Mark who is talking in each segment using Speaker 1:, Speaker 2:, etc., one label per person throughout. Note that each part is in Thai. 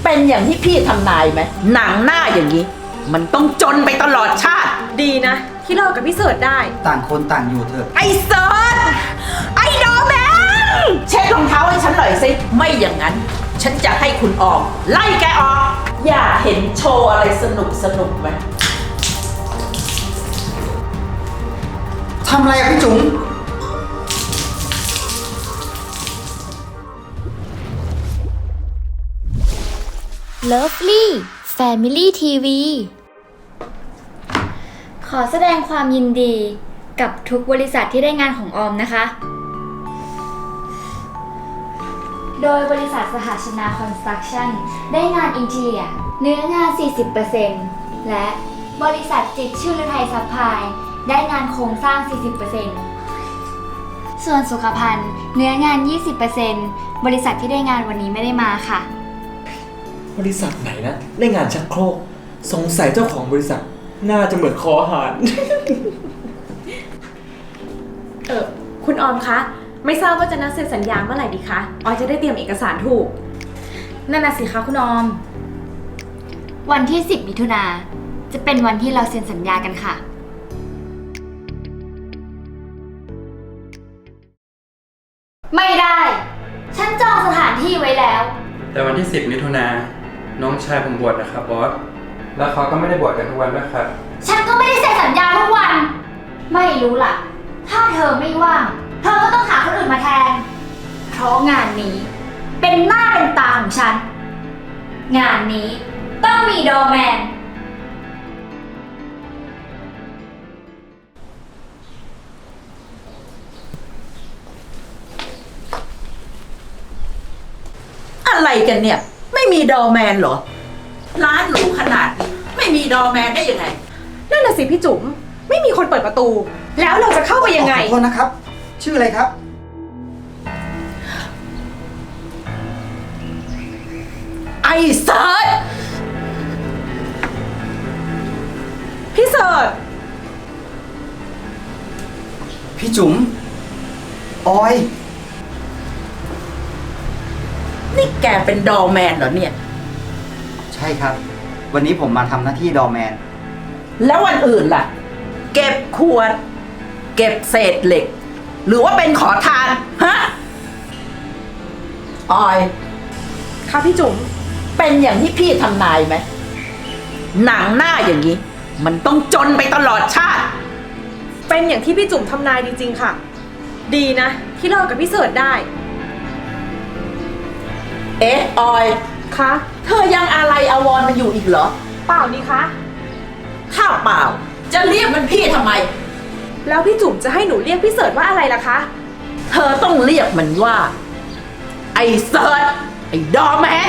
Speaker 1: เป็นอย่างที่พี่ทำนายไหมหนังหน้าอย่างนี้ มันต้องจนไปตลอดชาติ
Speaker 2: ดีนะที่เลิกกับพี่เสิร์ชได้
Speaker 3: ต่างคนต่างอยู่เถอะ
Speaker 1: ไอ้เซิร์ชไอ้ดอแมนเช็ดรองเท้าให้ฉันหน่อยสิไม่อย่างนั้น ฉันจะให้คุณออกไล่แกออก อย่าเห็นโชว์อะไรสนุกไหม
Speaker 3: ทำอะไรอะพี่จุ๋ม
Speaker 4: Lovely Family TV ขอแสดงความยินดีกับทุกบริษัทที่ได้งานของออมนะคะ โดยบริษัทสหชนาคอนสตรักชั่นได้งานอินเทียเนื้องาน 40% และบริษัทจิตรชื่อฤทัยซัพพลายได้งานโครงสร้าง 40%ส่วนสุขภัณฑ์เนื้องาน 20% บริษัทที่ได้งานวันนี้ไม่ได้มาค่ะ
Speaker 5: บริษัทไหนนะได้งานชักโครกสงสัยเจ้าของบริษัทน่าจะเหมือนคออาหาร
Speaker 2: คุณออมคะไม่ทราบว่าจะนัดเซ็นสัญญาเมื่อไหร่ดีคะออยจะได้เตรียมเอกสารถูกนั่นน่ะสิคะคุณออม
Speaker 4: วันที่ 10 มิถุนาจะเป็นวันที่เราเซ็นสัญญากันค่ะไม่ได้ ฉันจองสถานที่ไว้แล้ว
Speaker 6: แต่วันที่ 10 มิถุนาน้องชายผมบวชนะครับบอส แล้วเขาก็ไม่ได้บวชกันทุกวันด้วยครับ
Speaker 4: ฉันก็ไม่ได้เซ็นสัญญาทุกวัน ไม่รู้ล่ะ ถ้าเธอไม่ว่าง เธอก็ต้องหาคนอื่นมาแทน เพราะงานนี้เป็นหน้าเป็นตาของฉัน งานนี้ต้องมีดอร์แมน
Speaker 1: อะไรกันเนี่ยไม่มีดอแมนเหรอร้านหรูขนาดนี้ไม่มีดอแมนได้ยังไง
Speaker 2: นั่นน่ะสิพี่จุ๋มไม่มีคนเปิดประตู แล้วเราจะเข้าไปยังไง
Speaker 3: ขอโทษนะครับ ชื่ออะไรครับ
Speaker 1: ไอ้เซิร์ช
Speaker 2: พี่เสิร์ช
Speaker 3: พี่จุ๋มออย
Speaker 1: นี่แกเป็นดอแมนเหรอเนี่ย
Speaker 3: ใช่ครับ วันนี้ผมมาทำหน้าที่ดอร์แมน
Speaker 1: แล้ววันอื่นล่ะ เก็บขวด เก็บเศษเหล็ก หรือว่าเป็นขอทานฮะออย
Speaker 2: ค่ะพี่จุ๋ม
Speaker 1: เป็นอย่างที่พี่ทำนายไหมหนังหน้าอย่างนี้ มันต้องจนไปตลอดชาติ
Speaker 2: เป็นอย่างที่พี่จุ๋มทำนายจริงๆค่ะ ดีนะที่เลิกกับพี่เสิร์ชได้
Speaker 1: เอ๊ะออย
Speaker 2: คะ
Speaker 1: เธอยังอะไรอาวรณ์มันอยู่อีกเหรอ
Speaker 2: เปล่านี่คะ
Speaker 1: ถ้าเปล่าจะเรียกมันพี่ทำไม
Speaker 2: แล้วพี่จุ๋มจะให้หนูเรียกพี่เสิร์ชว่าอะไรล่ะคะ
Speaker 1: เธอต้องเรียกมันว่าไอ้เสิร์ชไอ้ดอแมน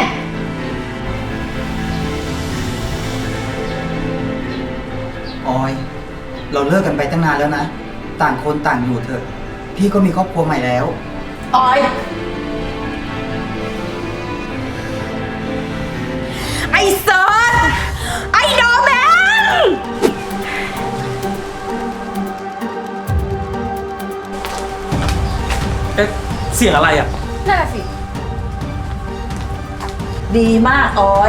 Speaker 3: ออย เราเลิกกันไปตั้งนานแล้วนะ ต่างคนต่างอยู่เถอะ พี่ก็มีครอบครัวใหม่แล้ว
Speaker 1: ออยไอ้เซิร์ชไอ้ดอแมน
Speaker 5: เสียงอะไรอ่ะ
Speaker 2: น่าสิ
Speaker 1: ดีมากออย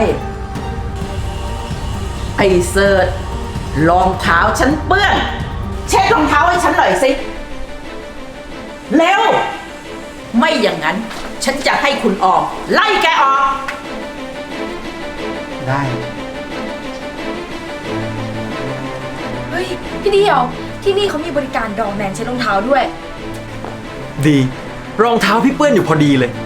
Speaker 1: ไอ้เซิร์ชรองเท้าฉันเปื้อนเช็ดรองเท้าให้ฉันหน่อยสิเร็วไม่อย่างนั้นฉันจะให้คุณออกไล่แกออก
Speaker 3: ได้
Speaker 2: เฮ้ยพี่เดียวที่นี่เขามีบริการดอร์แมนเช็ดรองเท้าด้วย
Speaker 5: ดีรองเท้าพี่เปื้อนอยู่พอดีเลย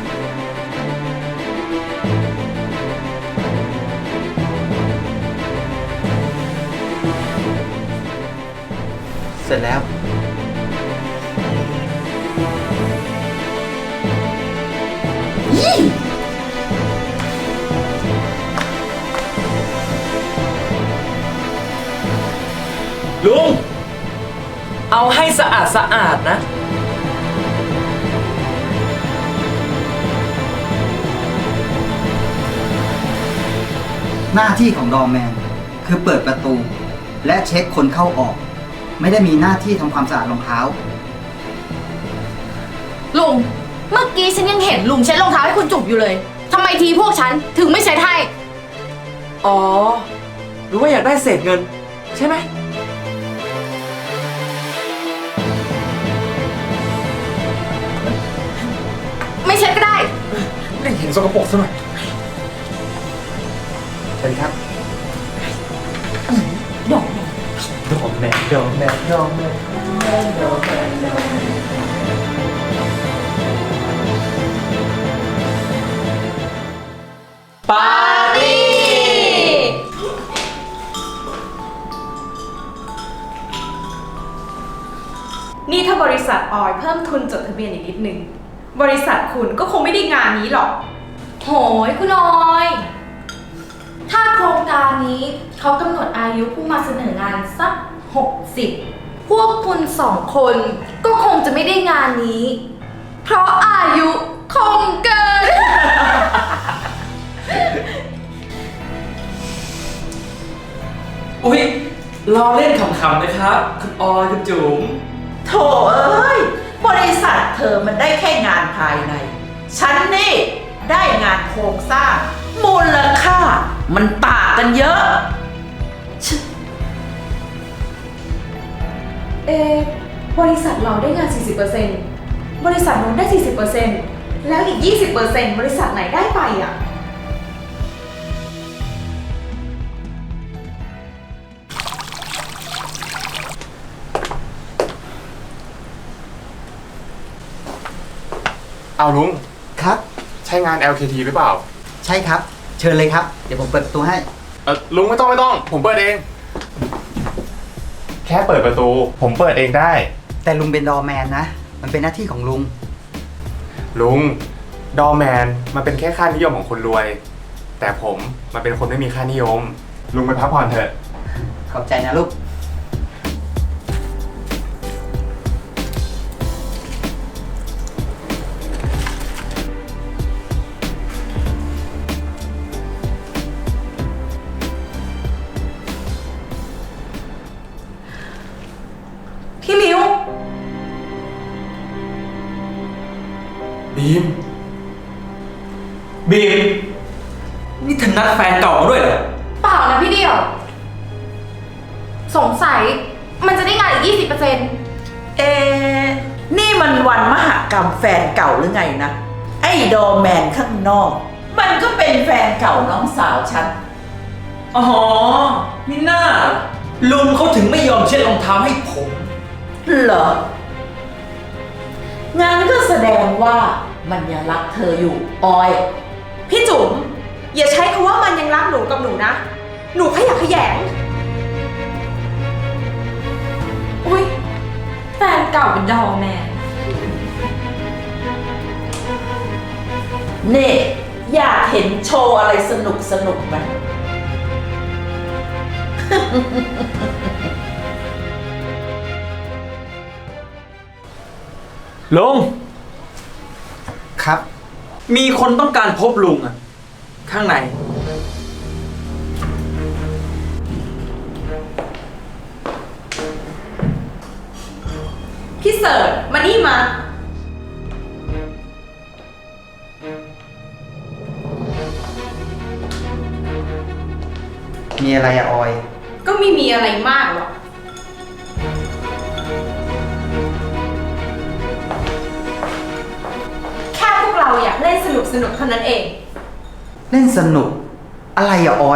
Speaker 3: เสร็จแล้ว
Speaker 5: ลุงเอาให้สะอาดสะอาดนะ
Speaker 3: หน้าที่ของดอร์แมนคือเปิดประตู และเช็คคนเข้าออก ไม่ได้มีหน้าที่ทำความสะอาดรองเท้า
Speaker 7: ลุง เมื่อกี้ฉันยังเห็นลุงเช็ดรองเท้าให้คุณจุ๋มอยู่เลย ทำไมทีพวกฉันถึงไม่เช็ดให้
Speaker 5: อ๋อ หรือว่าอยากได้เศษเงิน ใช่ไหม
Speaker 2: ไม่ใช่ก็ได้
Speaker 5: ไม่เห็นสกปรกซะหน่อยเชิญครับ
Speaker 1: ดอก
Speaker 5: ดอกแม่ดอกแม่ดอกแม่ดอกแม่ดอกแม่ปาร์ตี้
Speaker 2: นี่ถ้าบริษัทออยเพิ่มทุนจดทะเบียนอีกนิดนึง บริษัทคุณก็คงไม่ได้งานนี้หรอก
Speaker 7: โหยคุณออย ถ้าโครงการนี้เขากำหนดอายุผู้มาเสนองานสัก 60 พวกคุณ2 คนก็คงจะไม่ได้งานนี้ เพราะอายุคงเกิน
Speaker 5: อุ๊ยล้อเล่นขำๆนะครับ คุณออยคุณจุ๋ม
Speaker 1: โถเอ้ย บริษัทเธอมันได้แค่งานภายใน ฉันนี่ได้งานโครงสร้าง มูลค่า มันต่างกันเยอะ
Speaker 2: บริษัทเราได้งาน 40%บริษัทนู้นได้ 40%แล้วอีก 20%บริษัทไหนได้ไปอ่ะ
Speaker 8: เอาลุง
Speaker 3: ครับ
Speaker 8: ใช่งาน LKT หรือเปล่า
Speaker 3: ใช่ครับ เชิญเลยครับ เดี๋ยวผมเปิดประตูให้
Speaker 8: ลุงไม่ต้อง ผมเปิดเอง แค่เปิดประตู ผมเปิดเองได้
Speaker 3: แต่ลุงเป็นดอร์แมนนะ มันเป็นหน้าที่ของลุง
Speaker 8: ลุง ดอร์แมนมันเป็นแค่ค่านิยมของคนรวย แต่ผมมันเป็นคนไม่มีค่านิยม ลุงไปพักผ่อนเถอะ
Speaker 3: ขอบใจนะลูก
Speaker 2: พี่มิว
Speaker 5: บีม บีม นี่เธอนัดแฟนเก่ามาด้วยเหรอ
Speaker 7: เปล่านะพี่เดียว สงสัยมันจะได้งานอีก 20%
Speaker 1: เอ๊ะนี่มันวันมหกรรมแฟนเก่าหรือไงนะ ไอ้ดอร์แมนข้างนอก มันก็เป็นแฟนเก่าน้องสาวฉัน
Speaker 5: อ๋อมิน่า ลุงเขาถึงไม่ยอมเช็ดรองเท้าให้ผม
Speaker 1: เหรอ งานก็แสดงว่ามันยังรักเธออยู่ ออย
Speaker 2: พี่จุ๋มอย่าใช้คำว่ามันยังรักหนูกับหนูนะ หนูขยักขยง
Speaker 7: อุ้ยแฟนเก่าเป็นดอร์แมน
Speaker 1: นี่ อยากเห็นโชว์อะไรสนุกสนุกไหม
Speaker 5: ลุง
Speaker 3: ครับ
Speaker 5: มีคนต้องการพบลุงอะข้างใน
Speaker 2: พี่เสิร์ชมานี่มา
Speaker 3: มีอะไรอะออย
Speaker 2: ก็ไม่มีอะไรมากหรอก แค่พวกเราอยากเล่นสนุกเท่านั้นเอง
Speaker 3: เล่นสนุก อะไรอะออย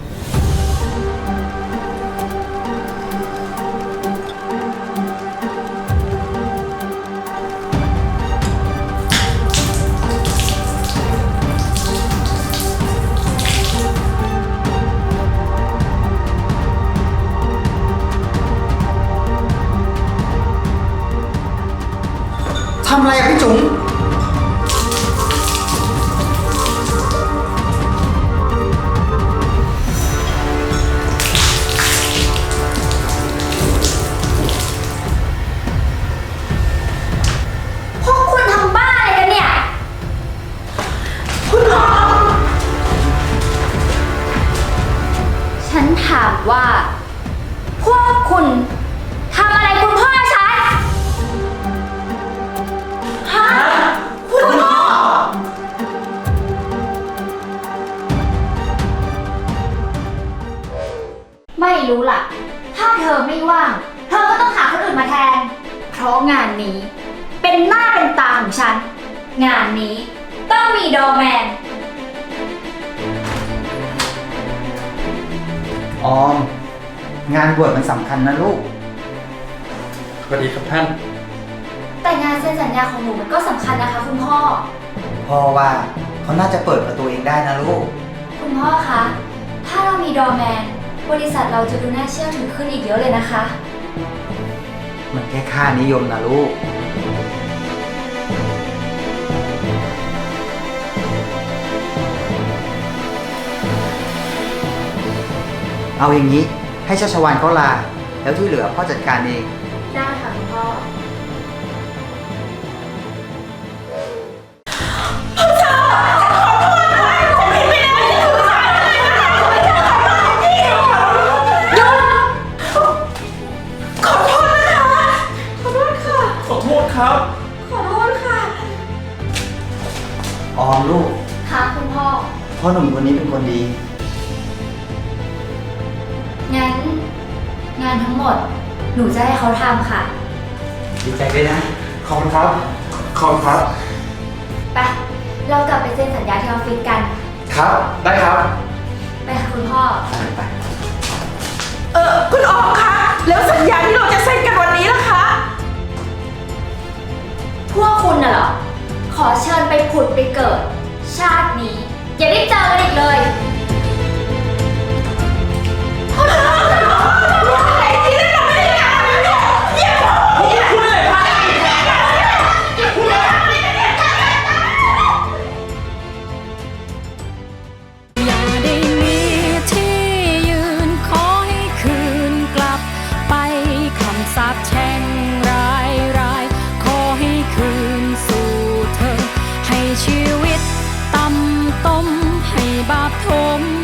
Speaker 3: ทำอะไรอะพี่จุ๋ม
Speaker 4: พวกคุณทำบ้าอะไรกันเนี่ย
Speaker 1: คุณออม
Speaker 4: ฉันถามว่า พวกคุณทำอะไรคุณพ่อฉัน
Speaker 1: ฮะคุณพ่อ
Speaker 4: พไม่รู้ล่ะ ถ้าเธอไม่ว่าง เธอก็ต้องหาคนอื่นมาแทน เพราะงานนี้ เป็นหน้าเป็นตาของฉัน งานนี้ต้องมีดอร์แมน
Speaker 3: ออม งานบวชมันสำคัญนะลูก
Speaker 6: สวัสดีครับท่าน
Speaker 4: แต่งานเซ็นสัญญาของหนูมันก็สำคัญนะคะคุณพ่อ
Speaker 3: พ่อว่าเขาน่าจะเปิดประตูเองได้นะลูก
Speaker 4: คุณพ่อคะ ถ้าเรามีดอร์แมน บริษัทเราจะดูน่าเชื่อถือขึ้นอีกเยอะเลยนะคะ
Speaker 3: มันแค่ค่านิยมนะลูก เอาอย่างนี้ให้ชัชวานเขาลา แล้วที่เหลือพ่อจัดการเอง
Speaker 4: ได้ค่ะคุณพ่อ
Speaker 5: ขอโทษครับ
Speaker 3: ออมลูก
Speaker 4: ค่ะคุณพ่อ
Speaker 3: พ่อหนุ่มคนนี้เป็นคนดี
Speaker 4: งั้น งานทั้งหมด หนูจะให้เขาทำค่ะ
Speaker 3: ดีใจด้วยนะ
Speaker 8: ขอบคุณครับ ขอบคุณครับ
Speaker 4: ไป เรากลับไปเซ็นสัญญาที่ออฟฟิศกัน
Speaker 8: ครับ ได้ครับ
Speaker 4: ไปค่ะคุณพ่อ
Speaker 3: ไป
Speaker 1: คุณออมคะแล้วสัญญาที่เราจะเซ็นกันวันนี้ล่ะคะ
Speaker 4: พวกคุณน่ะเหรอ ขอเชิญไปผุดไปเกิด ชาตินี้ อย่าได้เจอกันอีกเลย
Speaker 9: อย่าได้มีที่ยืนขอให้คืนกลับไปคำสาปแช่งร้ายขอให้คืนสู่เธอ ให้ชีวิตต่ำต้มให้บาปทม